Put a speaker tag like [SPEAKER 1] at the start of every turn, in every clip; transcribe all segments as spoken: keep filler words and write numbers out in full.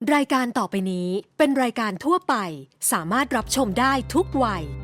[SPEAKER 1] รายการต่อไปนี้เป็นรายการทั่วไปสามารถรับชมได้ทุกวัย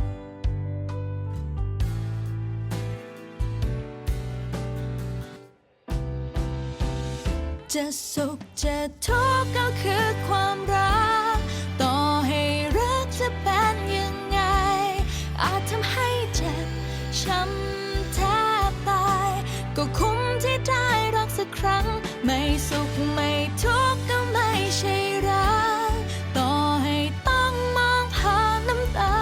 [SPEAKER 2] จะสุขจะทุกข์ก็คือความรักต่อให้รักจะเป็นยังไงอาจทำให้เจ็บช้ำแทบตายก็คุ้มที่ได้รักสักครั้งไม่สุขไม่ทุกข์ก็ไม่ใช่รักต่อให้ต้องมองผ่านน้ำตา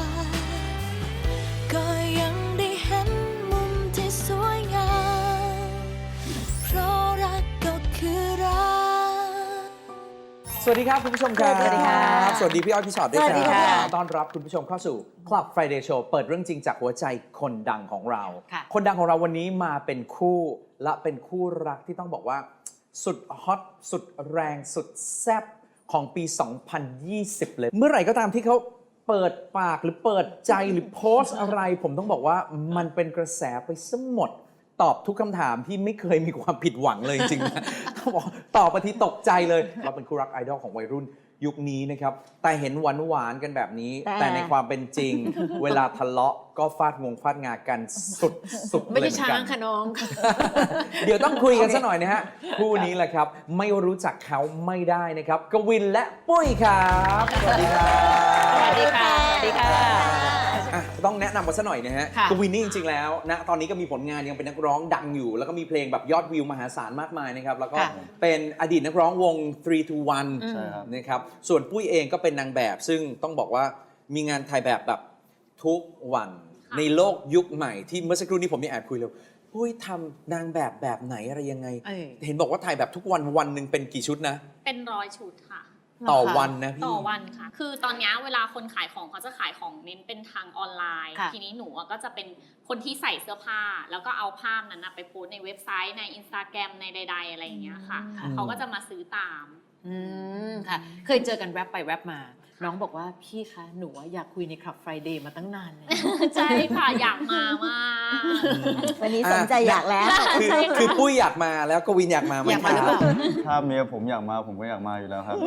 [SPEAKER 2] ก็ยังได้เห็นมุมที่สวยงามเพราะรักก็คือรัก
[SPEAKER 3] สวัสดีครับคุณผู้ชมครับ
[SPEAKER 4] สวัสดีค่ะ
[SPEAKER 3] สวัสดีพี่อ้อยพี่ชอตด้วย
[SPEAKER 4] สวัสดี
[SPEAKER 3] ครั
[SPEAKER 4] ค่ะ
[SPEAKER 3] บต้อนรับคุณผู้ชมเข้าสู่ Club Friday Show เปิดเรื่องจริงจากหัวใจคนดังของเรา
[SPEAKER 4] ค่ะ
[SPEAKER 3] คนดังของเราวันนี้มาเป็นคู่และเป็นคู่รักที่ต้องบอกว่าสุดฮอตสุดแรงสุดแซ่บของปี สองพันยี่สิบ เลย เมื่อไหร่ก็ตามที่เขาเปิดปากหรือเปิดใจหรือโพสต์อะไร ผมต้องบอกว่ามันเป็นกระแสไปซะหมด ตอบทุกคำถามที่ไม่เคยมีความผิดหวังเลยจริงๆนะ ต้องบอกตอบไปทีตกใจเลยเราเป็นคู่รักไอดอลของวัยรุ่นยุคนี้นะครับแต่เห็นหวานหวานๆกันแบบนี้
[SPEAKER 4] แต่
[SPEAKER 3] แต่ในความเป็นจริง เวลาทะเลาะก็ฟาดงวงฟาดงากันสุดสุด
[SPEAKER 4] ไม่
[SPEAKER 3] เลย
[SPEAKER 4] ใช่
[SPEAKER 3] เหมือน
[SPEAKER 4] ช้า
[SPEAKER 3] กั
[SPEAKER 4] ง
[SPEAKER 3] น
[SPEAKER 4] ค่ะน้อง
[SPEAKER 3] เดี๋ยวต้องคุยกันสักหน่อยนะฮะคู่นี้แหละครับไม่รู้จักเขาไม่ได้นะครับกวินและปุ้ยครับสวัสดีครับ
[SPEAKER 4] สวัสดีค่ะ สวัสดีค่ะ
[SPEAKER 3] อ่ะต้องแนะนำกันสักหน่อยนะฮะ
[SPEAKER 4] ค่ะ
[SPEAKER 3] กวินนี่จริงๆแล้วนะตอนนี้ก็มีผลงานยังเป็นนักร้องดังอยู่ แล้วก็มีเพลงแบบยอดวิวมหาศาลมากมายนะครับแล้วก็
[SPEAKER 4] ค่ะ
[SPEAKER 3] เป็นอดีตนักร้องวง ทรี ทู วัน
[SPEAKER 4] ใช่ครับ
[SPEAKER 3] นะครับส่วนปุ้ยเองก็เป็นนางแบบ ซึ่งต้องบอกว่ามีงานถ่ายแบบแบบทุกวันในโลกยุคใหม่ที่เมื่อสักครู่นี้ผมมีแอบคุยเลยปุ้ยทำนางแบบแบบไหนอะไรยังไง
[SPEAKER 4] เออ
[SPEAKER 3] เห็นบอกว่าถ่ายแบบทุกวันวันหนึ่งเป็นกี่ชุดนะ
[SPEAKER 5] เป็นร้อยชุดค่ะ
[SPEAKER 3] ต่อวันนะพี่
[SPEAKER 5] ต่อวันค่ะ คือตอนนี้เวลาคนขายของเขาจะขายของเน้นเป็นทางออนไลน์
[SPEAKER 4] ค่ะ
[SPEAKER 5] ทีนี้หนูอะก็จะเป็นคนที่ใส่เสื้อผ้า แล้วก็เอาภาพนั้นนะไปโพสต์ในเว็บไซต์ในอินสตาแกรมในใด ๆ อะไรอย่างเงี้ยค่ะ
[SPEAKER 3] อืม
[SPEAKER 5] เขาก็จะมาซื้อตาม
[SPEAKER 4] อืมค่ะ เคยเจอกันแวบไปแวบมา น้องบอกว่าพี่คะ หนูอะอยากคุยในคลับ Friday มาตั้งนานแล้ว
[SPEAKER 5] ใช่ค่ะ อยากมามาก
[SPEAKER 6] วันนี้สนใจอยากแล้ว
[SPEAKER 3] คือคือปุ้ยอยากมาแล้วกวินอยากมาไหม
[SPEAKER 4] อยากมาหรือเปล่า
[SPEAKER 7] ถ้าเมียผมอยากมาผมก็อยากมาอยู่แล้วครับ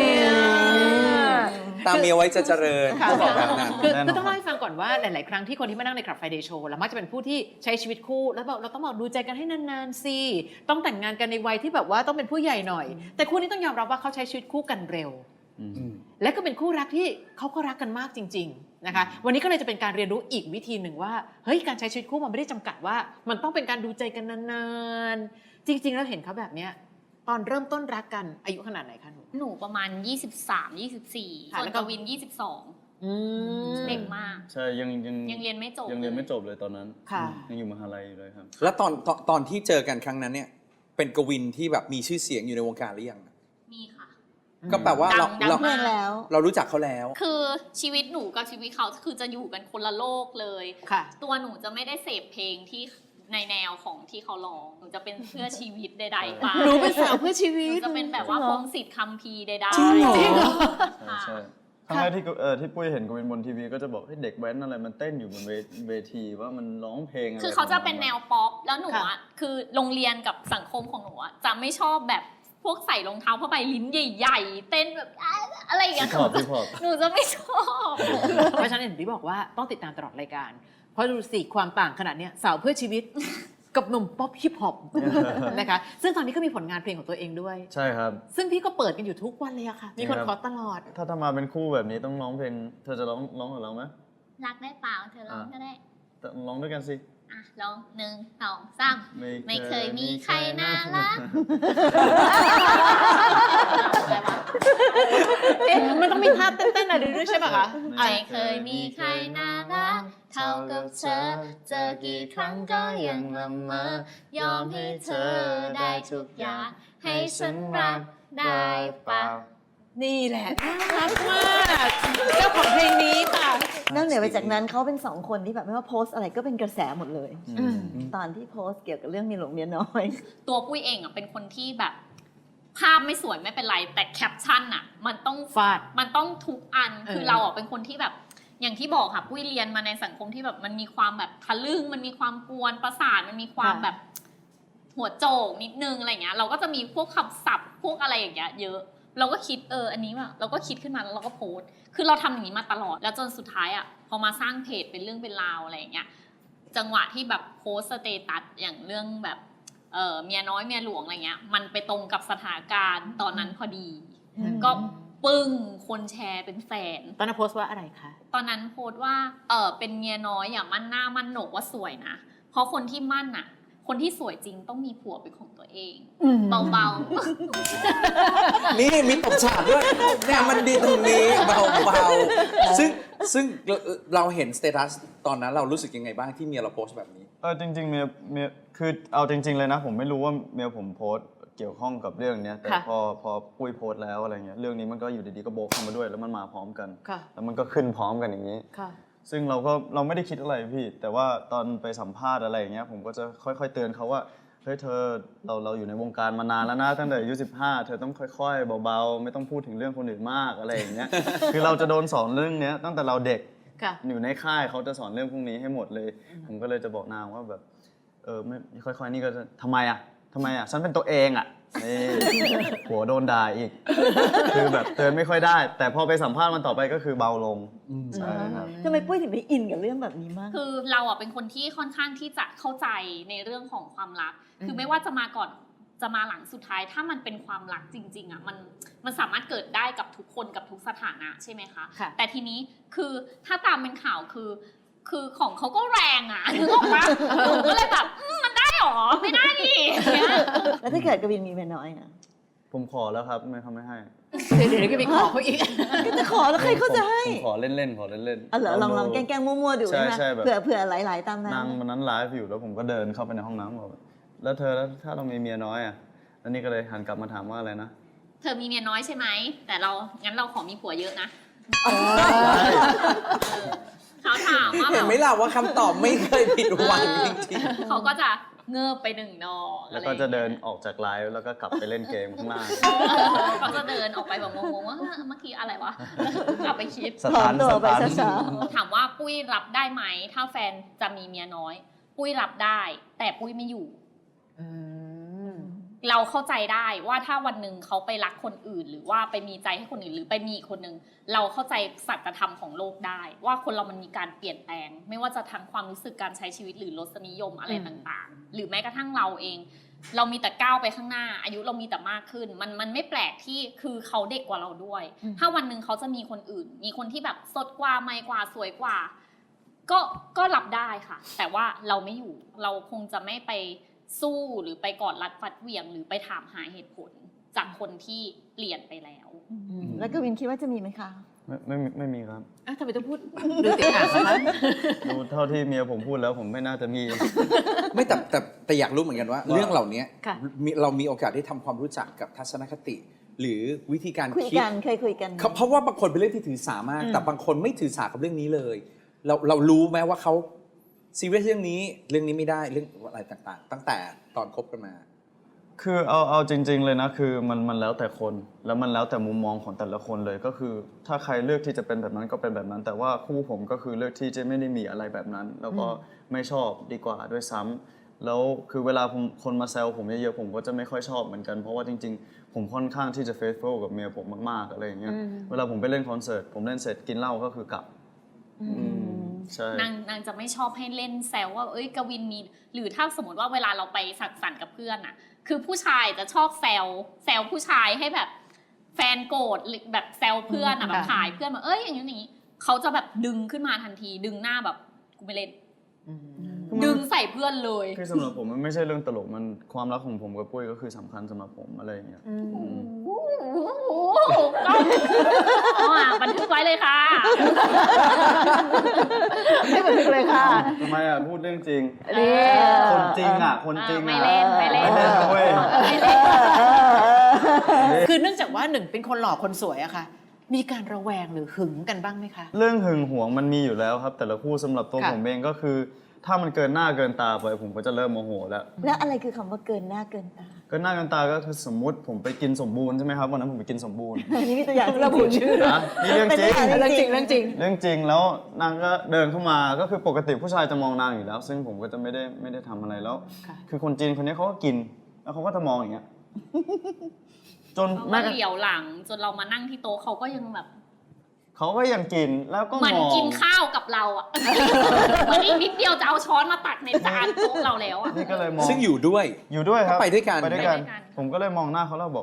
[SPEAKER 3] ตามเมียไว้จะเจริญ
[SPEAKER 4] ค่ะ
[SPEAKER 3] เขาบอกแบบนั้น
[SPEAKER 4] คือ
[SPEAKER 7] แน่นอน
[SPEAKER 4] คือต้องเล่าให้ฟังก่อนว่าหลาย ๆ ครั้งที่คนที่มานั่งในคลับ Friday Show แล้วมักจะเป็นผู้ที่ใช้ชีวิตคู่ แล้วบอกเราต้องบอกดูใจกันให้นาน ๆ สิ ต้องแต่งงานกันในวัยที่แบบว่าต้องเป็นผู้ใหญ่หน่อย แต่คู่นี้ต้องยอมรับว่าเขาใช้ชีวิตคู่กันเร็ว
[SPEAKER 7] อืม
[SPEAKER 4] และก็เป็นคู่รักที่เขาก็รักกันมากจริง ๆ นะคะ วันนี้ก็เลยจะเป็นการเรียนรู้อีกวิธีหนึ่งว่า เฮ้ย การใช้ชีวิตคู่มันไม่ได้จำกัดว่า มันต้องเป็นการดูใจกันนานๆ จริง ๆ แล้วเห็นเขาแบบเนี้ย ตอนเริ่มต้นรักกันอายุขนาดไหนคะหนู
[SPEAKER 5] หนูประมาณ ยี่สิบสาม ยี่สิบสี่
[SPEAKER 4] ค่ะ
[SPEAKER 5] ส่ว
[SPEAKER 4] แล้
[SPEAKER 5] น
[SPEAKER 4] วก็
[SPEAKER 5] กวิน ยี่สิบสอง
[SPEAKER 4] อืม
[SPEAKER 5] เด็กมาก
[SPEAKER 7] ใช่ยังยัง
[SPEAKER 5] ยังเรียนไม่จบ
[SPEAKER 7] ยังเรียนไม่จบเลยตอนนั้น
[SPEAKER 4] ค่ะ
[SPEAKER 7] ยังอยู่มหาลัยอยู่เลยครับ
[SPEAKER 3] แล้วตอนตอนตอนที่เจอกันครั้งนั้นเนี่ยเป็นกวินที่แบบมีชื่อเสียงอยู่ในวงการหรือยัง
[SPEAKER 5] มีค่ะ
[SPEAKER 3] ก็แปลว่าเรา
[SPEAKER 5] ดัง
[SPEAKER 3] เรา
[SPEAKER 5] ๆ
[SPEAKER 6] เพื่อนแล้ว
[SPEAKER 3] เรารู้จักเขาแล้ว
[SPEAKER 5] คือชีวิตหนูกับชีวิตเขาคือจะอยู่กันคนละโลกเลย
[SPEAKER 4] ค่ะ
[SPEAKER 5] ตัวหนูจะไม่ได้เสพเพลงที่ในแนวของที่เขาร้อง หนูจะเป็นเพื่อชีวิตใดๆไป
[SPEAKER 4] หนูเป็นสาวเพื่อชีวิ
[SPEAKER 5] หนู
[SPEAKER 4] ต
[SPEAKER 5] จะเป็นแบบว่าพงศิษฐ์คัมภีร์ใดๆ
[SPEAKER 3] จริงเหรอ
[SPEAKER 4] จริงเหรอ
[SPEAKER 7] ใช่ใช่ครั้งแรกที่กูเออที่ปุ้ยเห็นกูเป็นบนทีวีก็จะบอกเฮ้ยเด็กแว้นอะไรมันเต้นอยู่บนเวเวทีว่ามันร้องเพลงอะไร
[SPEAKER 5] คือเขาจะเป็นแนวป๊อป แล้วหนู
[SPEAKER 4] ค่ะ
[SPEAKER 5] อ่ะ คือโรงเรียนกับสังคมของหนูอ่ะจะไม่ชอบแบบพวกใส่รองเท้าผ้าใบลิ้นใหญ่ๆ เต้นแบบอะไรอย่างเงี้ย
[SPEAKER 7] ฮิปฮอปฮิปฮอป
[SPEAKER 5] หนูจะไม่ชอบ
[SPEAKER 4] เพราะฉะนั้นเห็นพี่บอกว่าต้องติดตามตลอดรายการ เพราะดูสิความต่างขนาดเนี้ยสาวเพื่อชีวิต กับหนุ่มป๊อปฮิปฮอปนะคะ ซึ่งตอนนี้ก็มีผลงานเพลงของตัวเองด้วย
[SPEAKER 7] ใช่ครับ
[SPEAKER 4] ซึ่งพี่ก็เปิดกันอยู่ทุกวันเลยอะค่ะ มีคน
[SPEAKER 7] ครับ
[SPEAKER 4] ขอตลอด
[SPEAKER 7] ถ้าถ้ามาเป็นคู่แบบนี้ต้องร้องเพลงเธอจะร้องร้องกับเราไหม
[SPEAKER 5] รักได้เปล่าเธอร้องก็ได้
[SPEAKER 7] แต่ร้องด้วยกันสิ
[SPEAKER 5] อ่ะร้องหนึ่งสองสามไม่เคยมีใครน่ารัก
[SPEAKER 4] เอ๊ะมันต้องมีท่าเต้นๆอะไรด้วยใช่ปะคะ
[SPEAKER 5] ไม่เคยมีใครน่ารักเท่ากับเธอ เจอกี่ครั้งก็ยังละเมอยอมให้เธอได้ทุกอย่าง ให้ฉันรักได้เปล่า
[SPEAKER 4] นี่แหละน่ารักมากเจ้าของเพลงนี้ค่ะ
[SPEAKER 6] นอกเหนือไปจากนั้นเขาเป็นสองคนที่แบบไม่ว่าโพสต์อะไรก็เป็นกระแสหมดเลย
[SPEAKER 7] อืม
[SPEAKER 6] ตอนที่โพสต์เกี่ยวกับเรื่องเมียหลวงเมียน้อย
[SPEAKER 5] ตัวปุ้ยเองอ่ะเป็นคนที่แบบ ภาพไม่สวยไม่เป็นไร แต่แคปชั่นอ่ะ มันต้อง
[SPEAKER 4] ฟาด
[SPEAKER 5] มันต้องทุกอัน
[SPEAKER 4] เออ
[SPEAKER 5] คือเราอ่ะเป็นคนที่แบบ อย่างที่บอกค่ะปุ้ยเรียนมาในสังคมที่แบบมันมีความแบบทะลึ่งมันมีความกวนประสาทมันมีความแบบ หัวโจกนิดนึงอะไรเงี้ยเราก็จะมีพวกคำศัพท์พวกอะไรอย่างเงี้ยเยอะเราก็คิดเอออันนี้แบบเราก็คิดขึ้นมาแล้วเราก็โพสต์คือเราทำอย่างนี้มาตลอดแล้วจนสุดท้ายอ่ะพอมาสร้างเพจเป็นเรื่องเป็นราวอะไรอย่างเงี้ยจังหวะที่แบบโพสต์สเตตัสอย่างเรื่องแบบเออเมียน้อยเมียหลวงอะไรเงี้ยมันไปตรงกับสถานการณ์ตอนนั้นพอดี ก็ปึ้งคนแชร์เป็นแสน
[SPEAKER 4] ตอนนั้นโพสต์ว่าอะไรคะ
[SPEAKER 5] ตอนนั้นโพสต์ว่าเออเป็นเมียน้อยอย่ามั่นหน้ามั่นโหนกว่าสวยนะเพราะคนที่มั่นอ่ะคนที่สวยจริงต้องมีผัวเป็นของตัวเองเบาๆ
[SPEAKER 3] นี่มีตบฉากด้วยเนี่ยมันดีตรงนี้เบาๆซึ่งซึ่งเราเห็นสเตตัสตอนนั้นเรารู้สึกยังไงบ้างที่เมียเราโพสต์แบบนี้
[SPEAKER 7] เออจริงๆเมียเมียคือเอาจริง ๆเลยนะผมไม่รู้ว่าเมียผมโพสต์เกี่ยวข้องกับเรื่องนี้แต่พอพอปุ้ยโพสต์แล้วอะไรเงี้ยเรื่องนี้มันก็อยู่ดีๆก็โบกเข้ามาด้วยแล้วมันมาพร้อมกันแล้วมันก็ขึ้นพร้อมกันอย่างนี้ซึ่งเราก็เราไม่ได้คิดอะไรพี่แต่ว่าตอนไปสัมภาษณ์อะไรอย่างเงี้ยผมก็จะค่อยๆเตือนเขาว่าเฮ้ยเธอเราเราอยู่ในวงการมานานแล้วนะตั้งแต่อายุสิบห้าเธอต้องค่อยๆเบาๆไม่ต้องพูดถึงเรื่องคนอื่นมากอะไรอย่างเงี้ย คือเราจะโดนสอนเรื่องนี้ตั้งแต่เราเด็กอยู่ในค่ายเขาจะสอนเรื่องพวกนี้ให้หมดเลยผมก็เลยจะบอกนางว่าแบบเออไม่ค่อยๆนี่ก็จะทำไมอ่ะทำไมอ่ะฉันเป็นตัวเองอ่ะนี่หัวโดนด่าอีกคือแบบเตือนไม่ค่อยได้แต่พอไปสัมภาษณ์มันต่อไปก็คือเบาลงใช่ครับ
[SPEAKER 6] ทำไมปุ้ยถึงไปอินกับเรื่องแบบนี้มาก
[SPEAKER 5] คือเราอ่ะเป็นคนที่ค่อนข้างที่จะเข้าใจในเรื่องของความรักคือไม่ว่าจะมาก่อนจะมาหลังสุดท้ายถ้ามันเป็นความรักจริงๆอ่ะมันมันสามารถเกิดได้กับทุกคนกับทุกสถานะใช่ไหมคะแต่ทีนี้คือถ้าตามเป็นข่าวคือคือของเขาก็แรงอ่ะนึกออกปะก็เลยแบบมันได้หรอไม่ได้ดิ
[SPEAKER 6] แล้วถ้าเกิดกวินมีเมียน้อยอ่ะ
[SPEAKER 7] ผมขอแล้วครับไม่เขาไม่ให้
[SPEAKER 4] เดี๋ยวเดี๋ยวก็ไปขอเขาอีก
[SPEAKER 6] ก็จะขอแล้วใครเขาจะให้
[SPEAKER 7] ผมขอเล่นๆขอเล่นๆ
[SPEAKER 6] อ๋อเหรอลองลองแกล้งๆมั่วๆดู
[SPEAKER 7] ใช่
[SPEAKER 6] นะ
[SPEAKER 7] ใช่แบบ
[SPEAKER 6] เผื่อเผื่อหลายๆตามนั้น
[SPEAKER 7] นางวันนั้นไลฟ์อยู่แล้วผมก็เดินเข้าไปในห้องน้ำบอกแล้วเธอแล้วถ้าเรามีเมียน้อยอ่ะแล้วนี่ก็เลยหันกลับมาถามว่าอะไรนะ
[SPEAKER 5] เธอมีเมียน้อยใช่ไหมแต่เรางั้นเราขอมีผัวเยอะนะเขาถามว่า
[SPEAKER 3] เห็นไหมล่ะว่าคำตอบไม่เคยผิดหวังจริง
[SPEAKER 5] เขาก็จะเงือบไปหนึ่งดอก
[SPEAKER 7] แล้วก็จะเดินออกจากไลฟ์แล้วก็กลับไปเล่นเกมข้างล่าง
[SPEAKER 5] เขาจะเดินออกไปแบบงงๆว่าเมื่อกี้อะไรวะกลับไปคิด
[SPEAKER 7] สถาน
[SPEAKER 6] ตัว
[SPEAKER 7] ส
[SPEAKER 6] ไป
[SPEAKER 7] ถาน
[SPEAKER 6] ช้า
[SPEAKER 5] ถามว่าปุ้ยรับได้ไหมถ้าแฟนจะมีเมียน้อย ปุ้ยรับได้ แต่ปุ้ยไม่อยู่ เราเข้าใจได้ว่าถ้าวันหนึ่งเขาไปรักคนอื่น หรือว่าไปมีใจให้คนอื่นหรือไปมีอีกคนหนึ่งเราเข้าใจสัจธรรมของโลกได้ ว่าคนเรามันมีการเปลี่ยนแปลง ไม่ว่าจะทั้งความรู้สึกการใช้ชีวิตหรือรสนิยมอะไรต่างๆ หรือแม้กระทั่งเราเอง เรามีแต่ก้าวไปข้างหน้า อายุเรามีแต่มากขึ้น มันมันไม่แปลกที่คือเขาเด็กกว่าเราด้วย ถ้าวันหนึ่งเขาจะมีคนอื่น มีคนที่แบบสดกว่าใหม่กว่าสวยกว่า ก็ก็รับได้ค่ะ แต่ว่าเราไม่อยู่เราคงจะไม่ไปสู้หรือไปกอดรัดฟัดเหวี่ยงหรือไปถามหาเหตุผลจากคนที่เปลี่ยนไปแล้ว
[SPEAKER 6] ๆแล้วกวินคิดว่าจะมีไหมคะ
[SPEAKER 7] ไม่ไม่มีไม่มีครับ
[SPEAKER 4] อ่ะทำไมต้องพูดดูติดอ่างนะคะ
[SPEAKER 7] ดูเท่าที่เมียผมพูดแล้วผมไม่น่าจะมี
[SPEAKER 3] ๆ ไม่แต่แต่แต่อยากรู้เหมือนกันว่า
[SPEAKER 7] ว่า
[SPEAKER 3] เรื่องเหล่านี้
[SPEAKER 4] ค่ะ
[SPEAKER 3] มีเรามีโอกาสได้ทำความรู้จักกับทัศนคติ หรือวิธีการ
[SPEAKER 6] คุย
[SPEAKER 3] คิด
[SPEAKER 6] กันเคยคุยกัน
[SPEAKER 3] เขาเพราะว่าบางคนเป็นเรื่องที่ถือสามาก แต่บางคนไม่ถือสากับเรื่องนี้เลย เราเรารู้ไหมว่าเขาซีเรียสเรื่องนี้เรื่องนี้ไม่ได้เรื่องอะไรต่างๆ ตั้งแต่ตอนคบกันมา
[SPEAKER 7] คือเอาเอาจริง ๆ เลยนะคือมันมันแล้วแต่คนแล้วมันแล้วแต่มุมมองของแต่ละคนเลยก็คือถ้าใครเลือกที่จะเป็นแบบนั้นก็เป็นแบบนั้น แต่ว่าคู่ผมก็คือเลือกที่จะไม่ได้มีอะไรแบบนั้น แล้วก็ไม่ชอบดีกว่าด้วยซ้ำแล้วคือเวลาผมคนมาแซวผมเยอะๆผมก็จะไม่ค่อยชอบเหมือนกันเพราะว่าจริงๆผมค่อนข้างที่จะเฟซฟูลกับเมียผมมากๆอะไรอย่างเงี้ยเวลาผมไปเล่นคอนเสิร์ตผมเล่นเสร็จกินเหล้าก็คือกลับใช่
[SPEAKER 5] นางนางจะไม่ชอบให้เล่นแซวว่าเอ้ยกวินมีหรือถ้าสมมติว่าเวลาเราไปสังสรรค์กับเพื่อนอะคือผู้ชายจะชอบแซวแซวผู้ชายให้แบบแฟนโกรธหรือแบบแซวเพื่อนอะแบบขายเพื่อนแบบเอ้ยอย่างนี้อย่างนี้เขาจะแบบดึงขึ้นมาทันทีดึงหน้าแบบกูไม่เล่นดึงใส่เพื่อนเลย
[SPEAKER 7] คือสำหรับผมมันไม่ใช่เรื่องตลกมันความรักของผมกับปุ้ยก็คือสำคัญสำหรับผมอะไรอย่างเงี้ย
[SPEAKER 5] ก็เอาอ่ะบันทึกไว้เลยค่ะ
[SPEAKER 6] ให้บันทึกเลยค่ะ
[SPEAKER 7] ทำไมอ่ะพูดเรื่องจริง
[SPEAKER 6] นี่
[SPEAKER 7] คนจริงอ่ะคนจริง
[SPEAKER 5] ไม่
[SPEAKER 7] อ่ะ
[SPEAKER 5] เล่นไม่เล่น
[SPEAKER 7] ไม่เล่นนะเว้ย
[SPEAKER 5] ไม่เล่น
[SPEAKER 4] คือเนื่องจากว่าหนึ่งเป็นคนหล่อคนสวยอะค่ะ มีการระแวงหรือหึงกันบ้างไหมคะ
[SPEAKER 7] เรื่องหึงหวงมันมีอยู่แล้วครับ แต่ละคู่สำหรับตัว
[SPEAKER 4] ค่ะ
[SPEAKER 7] ผมเองก็คือ ถ้ามันเกินหน้าเกินตาไปผมก็จะเริ่มโมโหแล้ว
[SPEAKER 6] แล้วอะไรคือคำว่าเกินหน้าเกินตา
[SPEAKER 7] เกินหน้าเกินตาก็คือสมมุติผมไปกินสมบูรณ์ใช่ไหมครับวันนั้นผมไปกินสมบูรณ์
[SPEAKER 6] อันนี้มีตัวอย่าง
[SPEAKER 4] ระบุชื่อ
[SPEAKER 7] นะนี่เรื่องจริง
[SPEAKER 6] เป็นตัวอย่าง
[SPEAKER 4] เรื่องจริงเรื่องจริง
[SPEAKER 7] เรื่องจริงแล้วนางก็เดินเข้ามาก็คือปกติผู้ชายจะมองนางอยู่แล้ว ซึ่งผมก็จะไม่ได้ไม่ได้ทำอะไรแล้ว
[SPEAKER 4] ค่ะ
[SPEAKER 7] คือคนจีนคนนี้เขาก็กินแล้วเขาก็จะมองอย่างเงี้ยจน
[SPEAKER 5] เขา
[SPEAKER 7] แม่
[SPEAKER 5] ก็เหลียวหลังจนเรามานั่งที่โต๊ะเขาก็ยังแบบ
[SPEAKER 7] เขาก็ยังกินแล้วก็
[SPEAKER 5] เหมือน
[SPEAKER 7] มอง
[SPEAKER 5] กินข้าวกับเราอ่ะ เหมือนอีกนิดเดียวจะเอาช้อนมาตักในจานโต๊ะเราแล้วอ่ะ
[SPEAKER 7] นี่ก็เลยมอง
[SPEAKER 3] ซึ่งอยู่ด้วย
[SPEAKER 7] อยู่ด้วยครับ
[SPEAKER 3] ก็ไปด้วยกัน
[SPEAKER 7] ไปด้วยกัน
[SPEAKER 5] ไปด้วยกัน
[SPEAKER 7] ผมก็เลยมองหน้าเขาแล้วบอก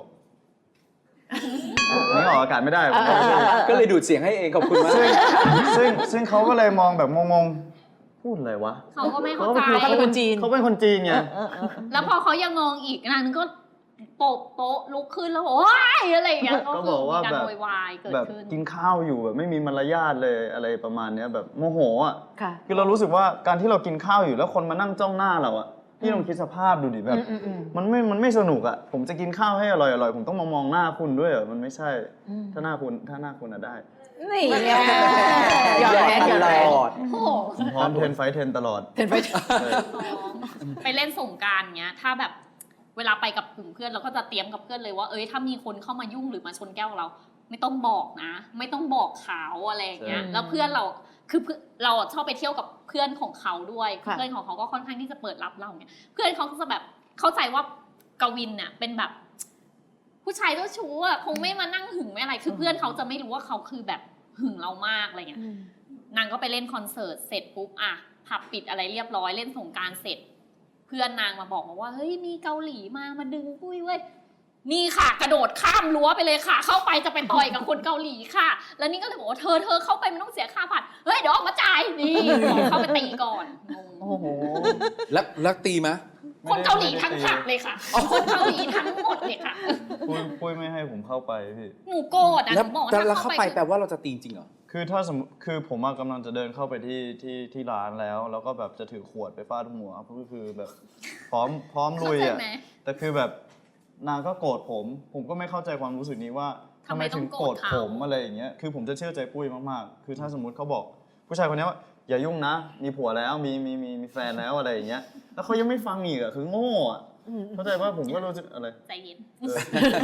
[SPEAKER 7] นี่ออกอากาศไม่ได้ผม
[SPEAKER 3] ก็เลยดูดเสียงให้เองขอบคุณมาก
[SPEAKER 7] ซึ่งซึ่งซึ่งเขาก็เลยมองแบบงงๆพูดอะไรวะ
[SPEAKER 5] เขาก็ไม่เข้าใจ
[SPEAKER 4] เขาเป็นคนจีน
[SPEAKER 7] เขาเป็นคนจีนไง
[SPEAKER 5] แล้วพอเขายังมองอีกนางนึงก็โปะโต๊ะลุกขึ้นแล้วบอกว้ายอะไรอย่างเงี้ย
[SPEAKER 7] ก็บอกว่า
[SPEAKER 5] มีการ
[SPEAKER 7] แบบ
[SPEAKER 5] โวยวายเกิด
[SPEAKER 7] แบบ
[SPEAKER 5] ขึ้น
[SPEAKER 7] กินข้าวอยู่แบบไม่มีมารยาทเลยอะไรประมาณเนี้ยแบบโมโหอ่ะ
[SPEAKER 4] ค่ะ
[SPEAKER 7] คือเรารู้สึกว่าการที่เรากินข้าวอยู่แล้วคนมานั่งจ้องหน้าเราอ่ะพี่ลองคิดสภาพดูดิแบบ
[SPEAKER 4] อืมอืมอืม
[SPEAKER 7] มันไม่มันไม่สนุกอ่ะผมจะกินข้าวให้อร่อยอร่อยผมต้องมามองหน้าคุณด้วยเหรอมันไม่ใช่ ถ้าหน้าคุณถ้าหน้าคุณอะได้
[SPEAKER 6] นี่ไง
[SPEAKER 4] หยอดแรงหยอดแรง
[SPEAKER 3] ตลอด
[SPEAKER 5] โอ้โห
[SPEAKER 7] ผมพร้อมเทรนไฟท์เทรนตลอด
[SPEAKER 4] เห็นไป
[SPEAKER 5] ไปเล่นสงกรานต์เงี้ย ถ้าแบบเวลาไปกับกลุ่มเพื่อนเราก็จะเตรียมกับเพื่อนเลยว่าเอ้ยถ้ามีคนเข้ามายุ่งหรือมาชนแก้วเรา ไม่ต้องบอกนะ ไม่ต้องบอกเขาอะไรอย่างเงี้ย
[SPEAKER 4] ใช่
[SPEAKER 5] แล้วเพื่อนเราคือเพื่อนเราอะชอบไปเที่ยวกับเพื่อนของเขาด้วย
[SPEAKER 4] ค่ะ
[SPEAKER 5] เพื่อนของเขาก็ค่อนข้างที่จะเปิดรับเราเนี่ยเพื่อนเขาก็จะแบบเข้าใจว่ากวินเนี่ยเป็นแบบ ผู้ชายเจ้าชู้อะคงไม่มานั่งหึงไม่อะไร คือเพื่อนเขาจะไม่รู้ว่าเขาคือแบบหึงเรามากอะไรเงี้ย นางก็ไปเล่นคอนเสิร์ตเสร็จปุ๊บอะผับปิดอะไรเรียบร้อยเล่นสงกรานต์เสร็จ เพื่อนนางมาบอกมาว่าเฮ้ยมีเกาหลีมามาดึงปุ้ยเว้ยนี่ค่ะ กระโดดข้ามรั้วไปเลยค่ะ เข้าไปจะไปต่อยกับคนเกาหลีค่ะ แล้วนี่ก็เลยบอกว่าเธอเธอเข้าไปมันต้องเสียค่าผัดเฮ้ยเดี๋ยวออกมาจ่ายนี่เข้าไปตีก่อนงง
[SPEAKER 4] โอ้โห
[SPEAKER 3] แล้วแล้วตีไหม
[SPEAKER 5] คนเกาหลีทั้งผับเลยค่ะคนเกาหลีทั้งหมดเลยค่ะ
[SPEAKER 7] ปุ้ยปุ้ยไม่ให้ผมเข้าไปพี่
[SPEAKER 5] หนูโกรธอะห
[SPEAKER 3] แล้ว
[SPEAKER 5] นูบอกว่า
[SPEAKER 3] แต่
[SPEAKER 5] ถ้า
[SPEAKER 3] แล้ว
[SPEAKER 5] เข้า
[SPEAKER 3] เข้า
[SPEAKER 5] ไป
[SPEAKER 3] ไปแปลว่าเราจะตีจริงเหรอ
[SPEAKER 7] คือถ้าสมมติคือผมอะกำลังจะเดินเข้าไปที่ที่ที่ร้านแล้ว แล้วก็แบบจะถือขวดไปฟาดหัวก็คือแบบพร้อมพร้อมลุย
[SPEAKER 5] เข้า
[SPEAKER 7] อะ
[SPEAKER 5] ใจไหม
[SPEAKER 7] แต่คือแบบนางก็โกรธผม ผมก็ไม่เข้าใจความรู้สึกนี้ว่าทำ
[SPEAKER 5] ทำ
[SPEAKER 7] ไม
[SPEAKER 5] ไมต้
[SPEAKER 7] ถึ
[SPEAKER 5] อง
[SPEAKER 7] ง
[SPEAKER 5] โก
[SPEAKER 7] โก
[SPEAKER 5] ร
[SPEAKER 7] ร
[SPEAKER 5] ธ
[SPEAKER 7] ธ
[SPEAKER 5] เขา
[SPEAKER 7] ผมอะไรอย่างเงี้ยคือผมจะเชื่อใจปุ้ยมากๆ คือถ้าสมมติเขาบอก ผู้ชายคนนี้ว่าอย่ายุ่งนะ มีผัวแล้วมีมีมีมีแฟนแล้วอะไรอย่างเงี้ยแล้วเขายังไม่ฟังอีกอะคือโง่อะเข้าใจว่าผมก็รู้สึกอะไร
[SPEAKER 5] ใจเย็น
[SPEAKER 7] เออ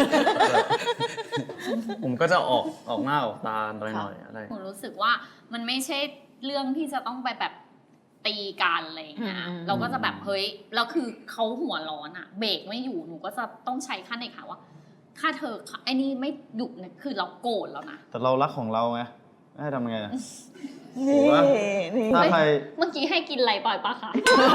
[SPEAKER 7] ผมก็จะออกออกหน้าออกตาหน่อยๆอะไร
[SPEAKER 5] หนูรู้สึกว่ามันไม่ใช่เรื่องที่จะต้องไปแบบตีกันอะไรอย่างเงี้ย
[SPEAKER 4] อืม
[SPEAKER 5] เราก็จะแบบเฮ้ยแล้วคือเขาหัวร้อนอะเบรกไม่อยู่หนูก็จะต้องใช้ขั้นเด็กค่ะว่า ถ้าเธอไอ้นี่ไม่หยุดเนี่ยคือเราโกรธแล้วนะ
[SPEAKER 7] แต่เรารักของเราไงให้ทำไงอะ
[SPEAKER 6] นี่
[SPEAKER 7] ถูกปะ
[SPEAKER 6] นี่
[SPEAKER 7] ถ้าใคร
[SPEAKER 5] เมื่อกี้ให้กินอะไรปล่อยปะคะ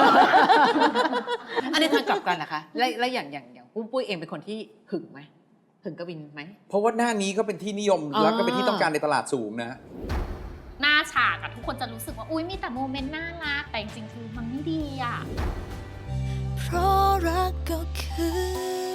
[SPEAKER 4] อันนี้ทางกลับกันนะคะและและอย่างอย่างอย่างปุ้มปุ้ยเองเป็นคนที่หึงไหมหึงกวินไหม
[SPEAKER 3] เพราะว่าหน้านี้ก็เป็นที่นิยม
[SPEAKER 4] อ่า
[SPEAKER 3] แล้วก็เป็นที่ต้องการในตลาดสูงนะ
[SPEAKER 5] หน้าฉากอะทุกคนจะรู้สึกว่าอุ้ยมีแต่โมเมนต์น่ารักแต่จริงๆคือมันไม่ดีอะ
[SPEAKER 2] เพราะรักก็คือ